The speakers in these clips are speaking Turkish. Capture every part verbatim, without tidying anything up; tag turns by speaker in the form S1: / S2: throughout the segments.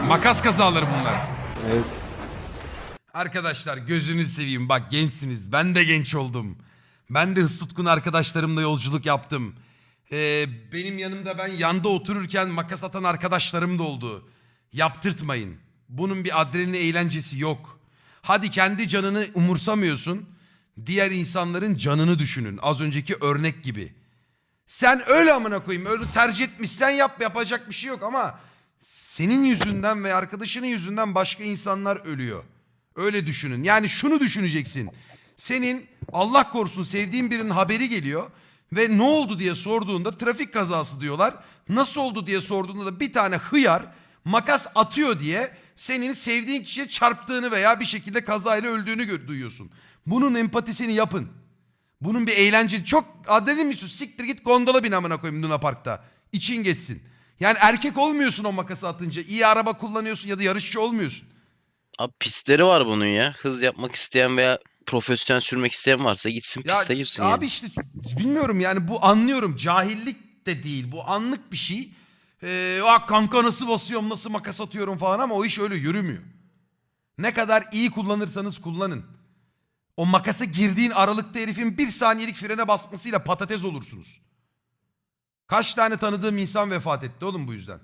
S1: Makas kazaları bunlar.
S2: Evet.
S1: Arkadaşlar gözünüzü seveyim, bak gençsiniz. Ben de genç oldum. Ben de hız tutkun arkadaşlarımla yolculuk yaptım. Ee, benim yanımda ben yanda otururken makas atan arkadaşlarım da oldu. Yaptırtmayın. Bunun bir adrenalin eğlencesi yok. Hadi kendi canını umursamıyorsun. Diğer insanların canını düşünün. Az önceki örnek gibi. Sen öyle amına koyayım. Öyle tercih etmişsen yap, yapacak bir şey yok ama senin yüzünden ve arkadaşının yüzünden başka insanlar ölüyor. Öyle düşünün. Yani şunu düşüneceksin. Senin Allah korusun sevdiğin birinin haberi geliyor ve ne oldu diye sorduğunda trafik kazası diyorlar. Nasıl oldu diye sorduğunda da bir tane hıyar makas atıyor diye senin sevdiğin kişiye çarptığını veya bir şekilde kazayla öldüğünü duyuyorsun. Bunun empatisini yapın. Bunun bir eğlence. Çok adrenalin mi istiyorsun? Siktir git gondola bin amına koyayım Luna Park'ta. İçin geçsin. Yani erkek olmuyorsun o makası atınca. İyi araba kullanıyorsun ya da yarışçı olmuyorsun.
S3: Abi pistleri var bunun ya. Hız yapmak isteyen veya profesyonel sürmek isteyen varsa gitsin
S1: Ya
S3: piste girsin
S1: abi
S3: yani.
S1: işte bilmiyorum yani bu anlıyorum. Cahillik de değil. Bu anlık bir şey. Ee, ah kanka nasıl basıyorum, nasıl makas atıyorum falan ama o iş öyle yürümüyor. Ne kadar iyi kullanırsanız kullanın. O makasa girdiğin aralıkta herifin bir saniyelik frene basmasıyla patates olursunuz. Kaç tane tanıdığım insan vefat etti oğlum bu yüzden.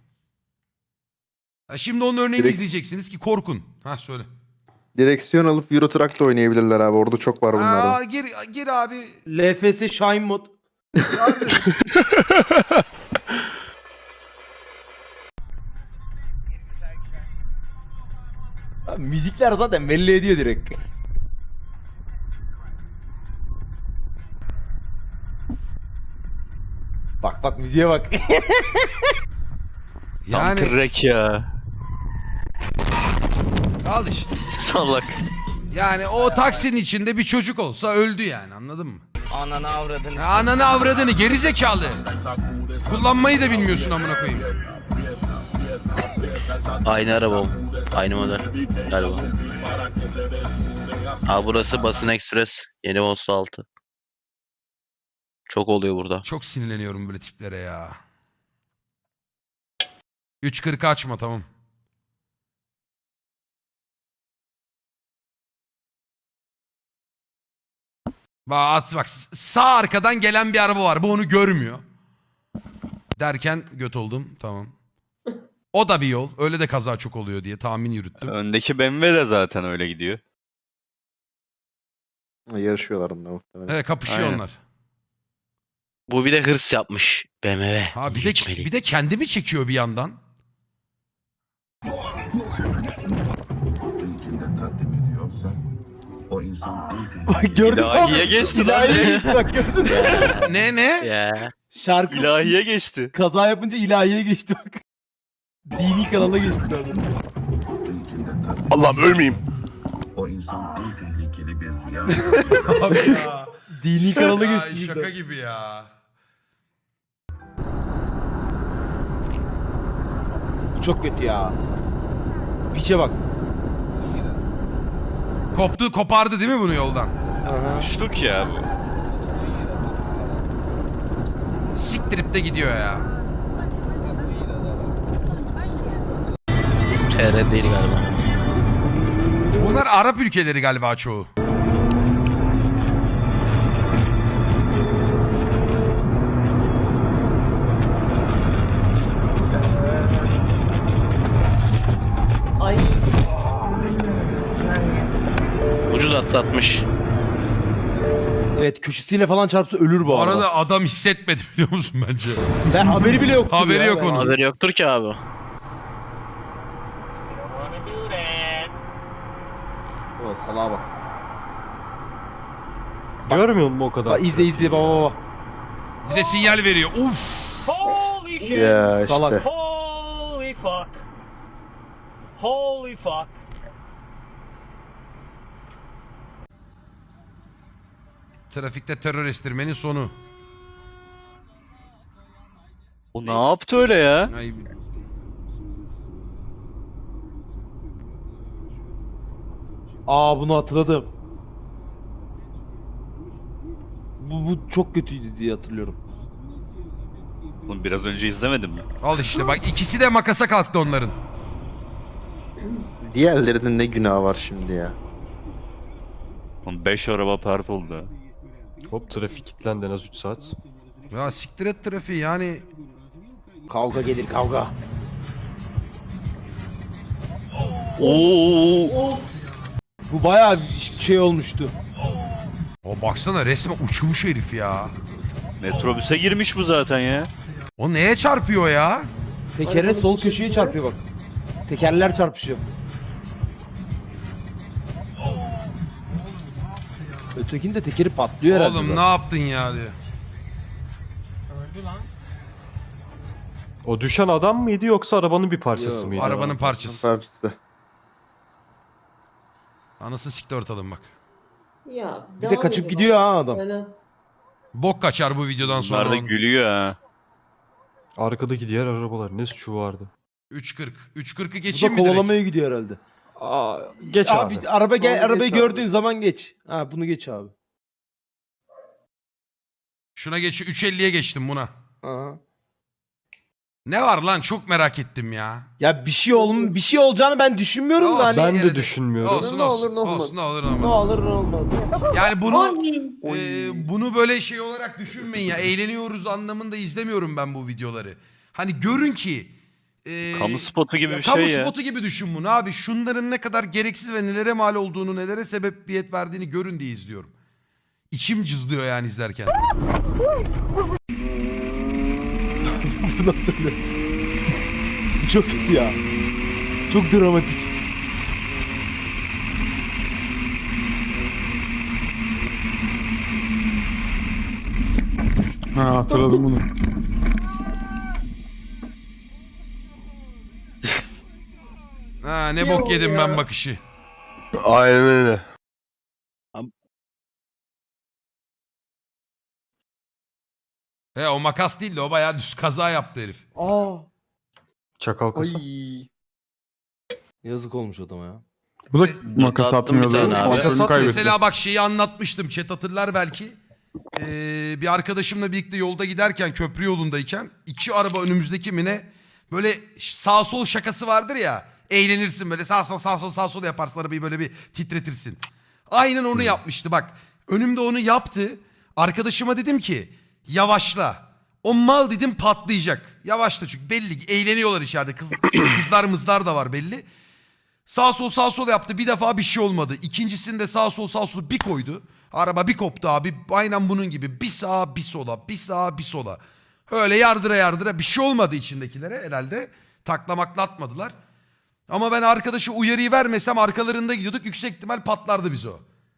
S1: Ha şimdi onun örneğini
S4: Direkt-
S1: izleyeceksiniz ki korkun. Ha söyle.
S4: Direksiyon alıp Euro Truck'la oynayabilirler abi. Orada çok var bunlardan.
S1: Aa, gir, gir abi.
S2: L F S Shine mod. Abi, müzikler zaten belli ediyor direkt. Bak bak müziğe bak.
S3: Tam
S1: Yani
S3: kırrek ya.
S1: al işte.
S3: Salak.
S1: Yani o taksinin içinde bir çocuk olsa öldü yani, anladın mı?
S5: Ananı avradını.
S1: Ya ananı avradını geri zekalı. Kullanmayı da bilmiyorsun amına koyayım.
S3: Aynı araba o. Aynı model galiba. Aa burası Basın Express. Yeni Vosto altı. Çok oluyor burada.
S1: Çok sinirleniyorum böyle tiplere ya. üç kırk açma tamam. Bak, at, bak sağ arkadan gelen bir araba var. Bu onu görmüyor. Derken göt oldum. Tamam. O da bir yol. Öyle de kaza çok oluyor diye tahmin yürüttüm.
S6: Öndeki B M W de zaten öyle gidiyor.
S4: Yarışıyorlar onunla muhtemelen.
S1: Evet kapışıyor
S6: Aynen.
S1: onlar.
S3: Bu bir de hırs yapmış B M W.
S1: Ha bir de
S3: Geçmeli.
S1: bir de kendimi çekiyor bir yandan.
S2: Bak gördün mü
S6: İlahiye
S2: abi?
S6: geçti lan
S2: İlahiye
S6: direkt.
S2: geçti bak gördün mü?
S1: Ne ne?
S3: Ya.
S2: Şarkı
S6: İlahiye geçti.
S2: kaza yapınca ilahiye geçti bak. Dini kanala geçti daha doğrusu.
S4: Allah'ım ölmeyeyim.
S7: O insan en tehlikeli bir rüya.
S1: Abi ya.
S2: Dini kanala
S1: Ya,
S2: geçti.
S1: şaka gibi ya.
S2: Bu çok kötü ya. Piçe bak.
S1: Koptu kopardı değil mi bunu yoldan?
S2: Aha.
S6: Kuşluk ya bu.
S1: Siktirip de gidiyor ya.
S3: T R değil galiba.
S1: Bunlar Arap ülkeleri galiba çoğu.
S5: Ay.
S3: Ucuz atlatmış.
S2: Evet köşesiyle falan çarpsa ölür bu,
S1: Bu
S2: arada.
S1: arada adam hissetmedi biliyor musun bence?
S2: Ben haberi bile yoktu.
S1: Haberi
S2: ya,
S1: yok
S2: ben-
S1: onun.
S3: Haberi yoktur ki abi.
S2: O salağa bak.
S8: Görmüyor musun o kadar?
S2: Bak izle izle baba baba.
S1: Bir de sinyal veriyor. Uf.
S5: Holy shit.
S4: Ya işte.
S2: Salak.
S5: Holy fuck. Holy fuck.
S1: Trafikte terör estirmenin sonu.
S6: O ne yaptı öyle ya?
S1: Ay,
S2: Aa bunu hatırladım. Bu, bu çok kötüydü diye hatırlıyorum.
S6: Bunu biraz önce izlemedim mi?
S1: al işte bak ikisi de makasa kalktı onların.
S4: Diğerlerinin ne günahı var şimdi ya?
S6: beş araba pert oldu. ha.
S8: Hop trafik kilitlendi en az üç saat.
S1: Ya siktir et trafiği yani.
S2: Kavga gelir kavga.
S6: Oo.
S2: Bu bayağı şey olmuştu.
S1: O baksana resmen uçmuş herif ya.
S6: Metrobüse girmiş bu zaten ya.
S1: O neye çarpıyor ya?
S2: Tekerine sol köşeye çarpıyor bak. Tekerler çarpışıyor. Ötekinin de tekeri patlıyor herhalde.
S1: Oğlum
S2: bak.
S1: ne yaptın ya diyor.
S5: Öldü lan.
S8: O düşen adam mıydı yoksa arabanın bir parçası
S2: Yok,
S8: mıydı?
S1: Arabanın parçası.
S4: Parçası.
S1: Anasını siktir ortalım bak.
S9: Ya,
S2: Bir de
S9: devam
S2: kaçıp
S9: edin
S2: gidiyor
S9: bak.
S2: ha adam.
S9: Böyle
S1: Bok kaçar bu videodan sonra.
S6: Bunlar da
S1: onun.
S6: gülüyor ha.
S8: Arkadaki diğer arabalar ne suçu vardı?
S1: üç kırk. üç kırkı
S2: Bu
S1: geçeyim
S2: da
S1: mi direkt?
S2: kovalamaya gidiyor herhalde.
S8: Aa, geç
S2: abi.
S8: abi.
S2: araba gel
S4: Onu
S2: arabayı
S4: geç
S2: gördüğün
S4: abi.
S2: zaman geç. Ha bunu geç abi.
S1: Şuna geç. üç elliye geçtim buna.
S2: Aha.
S1: Ne var lan çok merak ettim ya.
S2: Ya bir şey olm bir şey olacağını ben düşünmüyorum da
S1: Olsun.
S2: hani
S8: Ben
S1: yine
S8: de
S1: de-
S8: düşünmüyorum.
S1: Olsun
S4: Ne
S1: olsun.
S4: olur, ne olmaz.
S1: Olsun ne olur ne
S2: ne
S1: olmaz.
S2: olur ne olmaz.
S1: Yani bunu
S9: Ay.
S1: e, bunu böyle şey olarak düşünmeyin ya. Eğleniyoruz anlamında izlemiyorum ben bu videoları. Hani görün ki e,
S6: Kamu spotu gibi
S1: ya
S6: bir
S1: kamu
S6: şey ya.
S1: spotu gibi düşün bunu abi. Şunların ne kadar gereksiz ve nelere mal olduğunu, nelere sebebiyet verdiğini görün diye izliyorum. İçim cızlıyor yani izlerken.
S2: Bunu hatırlıyorum. Bu çok kötü ya. Çok dramatik.
S10: Ha hatırladım bunu.
S1: Ha ne
S9: Ne
S1: bok
S9: oldu
S1: yedim
S9: ya?
S1: ben bakışı.
S4: Aynen öyle.
S1: He o makas değil de o bayağı düz kaza yaptı herif.
S2: Aa.
S8: Çakal kasa.
S2: Yazık olmuş adama ya.
S10: Bu da makas
S3: attım bir
S10: atmıyordu.
S3: tane abi.
S10: Kontrolünü kaybetti.
S1: Mesela bak şeyi anlatmıştım. Chat hatırlar belki. Ee, bir arkadaşımla birlikte yolda giderken köprü yolundayken iki araba önümüzdeki mi ne böyle sağ sol şakası vardır ya. Eğlenirsin böyle sağ sol sağ sol sağ sol yaparsın arabayı böyle bir titretirsin. Aynen onu yapmıştı bak. Önümde onu yaptı. Arkadaşıma dedim ki yavaşla. O mal dedim patlayacak. Yavaşla çünkü belli ki eğleniyorlar içeride. Kız, kızlar mızlar da var belli. Sağ sol sağ sol yaptı. Bir defa bir şey olmadı. İkincisinde sağ sol sağ sol bir koydu. Araba bir koptu abi. Aynen bunun gibi. Bir sağa bir sola. Bir sağa bir sola. Öyle yardıra yardıra bir şey olmadı içindekilere herhalde. Taklamakla atmadılar. Ama ben arkadaşı uyarıyı vermesem arkalarında gidiyorduk. Yüksek ihtimal patlardı bize o.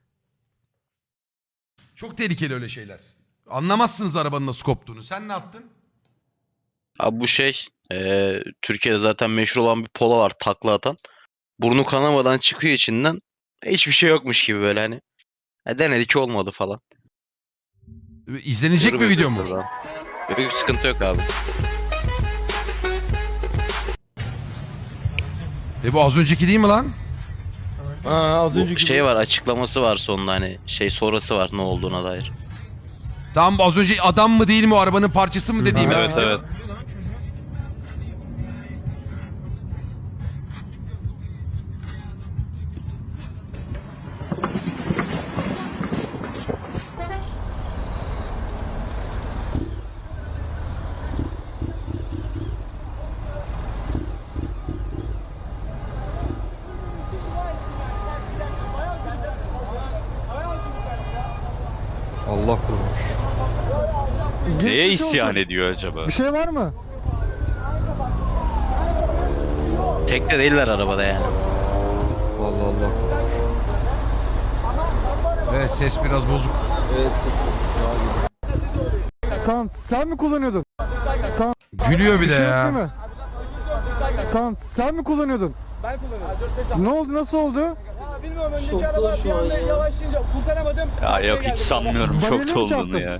S1: Çok tehlikeli öyle şeyler. Anlamazsınız arabanın nasıl koptuğunu. Sen ne yaptın?
S3: Abi bu şey e, Türkiye'de zaten meşhur olan bir polo var takla atan. Burnu kanamadan çıkıyor içinden. Hiçbir şey yokmuş gibi böyle hani. E, denedik olmadı falan.
S1: İzlenecek bir video mu?
S3: Böyle bir sıkıntı yok abi.
S1: E bu az önceki değil mi lan?
S2: Ha az
S3: Bu
S2: önceki
S3: şey var açıklaması var sonunda hani şey sonrası var ne olduğuna dair.
S1: Tamam az önce adam mı değil mi o arabanın parçası mı dediğimiz
S6: Evet
S1: video.
S6: evet.
S8: Allah korumuş.
S6: Neye isyan ediyor acaba?
S10: şey var mı?
S3: Tek de değiller arabada yani.
S8: Allah Allah.
S1: Evet ses biraz bozuk.
S2: Evet ses sağa gidiyor.
S10: Tamam sen mi kullanıyordun?
S1: Gülüyor bir de ya.
S10: mi? Tamam sen mi kullanıyordun? Ben kullanıyordum. Ne oldu nasıl oldu?
S9: Şokta şu an ya.
S6: Ya yok hiç sanmıyorum
S10: Bana
S6: şokta
S10: ne mi
S6: olduğunu
S10: çarptın?
S6: ya.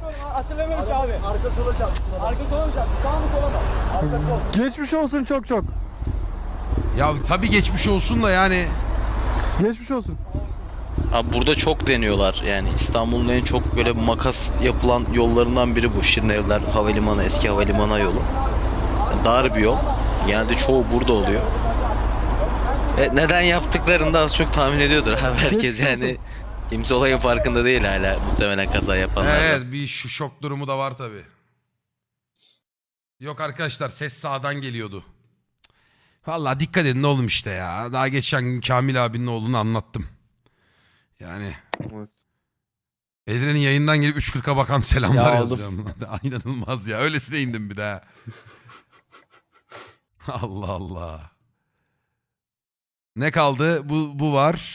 S10: Geçmiş olsun çok çok.
S1: Ya tabii geçmiş olsun da yani.
S10: Geçmiş olsun.
S3: Abi burada çok deniyorlar yani İstanbul'un en çok böyle makas yapılan yollarından biri bu. Şirinevler Havalimanı, eski havalimanı yolu. Yani dar bir yol. Genelde çoğu burada oluyor. E, neden yaptıklarını da az çok tahmin ediyordur abi herkes
S10: Geçmiş
S3: yani. Kimse olayın farkında değil hala muhtemelen kaza yapanlar.
S1: Evet bir şu şok durumu da var tabii. Yok arkadaşlar ses sağdan geliyordu. Vallahi dikkat edin oğlum işte ya. Daha geçen gün Kamil abinin oğlunu anlattım. Yani.
S4: Evet.
S1: Edren'in yayından gelip üç kırka bakan selamlar
S2: Ya
S1: yazmış. İnanılmaz ya. Öylesine indim bir daha. Allah Allah. Ne kaldı? Bu, bu var.